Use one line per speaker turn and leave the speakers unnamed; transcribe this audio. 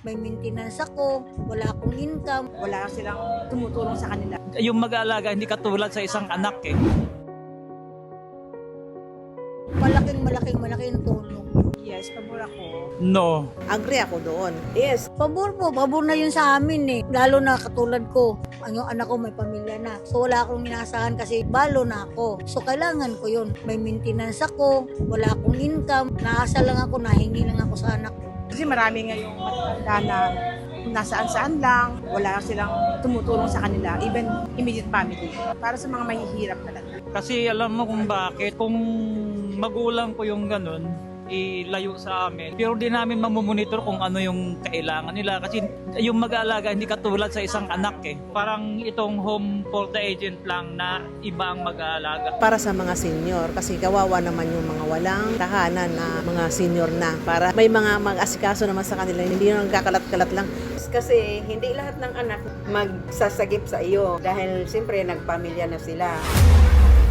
May maintenance ako, wala akong income.
Wala silang tumutulong sa kanila.
Yung mag-aalaga hindi katulad sa isang anak eh.
Malaking tulong.
Yes, pabor ako.
No.
Agree ako doon.
Yes,
Pabor na yun sa amin eh. Lalo na katulad ko, ang yung anak ko may pamilya na. So wala akong inasahan kasi balo na ako. So kailangan ko yun. May maintenance ako, wala akong income. Naasa lang ako, nahingi lang ako sa anak ko.
Kasi marami ngayong matatanda na nasaan-saan lang, wala silang tumutulong sa kanila, even immediate family. Para sa mga mahihirap talaga.
Kasi alam mo kung bakit. Kung magulang ko yung ganun, ilayo sa amin. Pero di namin mamumonitor kung ano yung kailangan nila. Kasi yung mag-aalaga hindi katulad sa isang anak eh. Parang itong home for the agent lang na iba ang mag-aalaga.
para sa mga senior kasi kawawa naman yung mga walang tahanan na mga senior na para may mga mag-asikaso naman sa kanila, hindi yung nagkakalat-kalat lang. Kasi hindi lahat ng anak magsasagip sa iyo dahil siyempre nagpamilya na sila.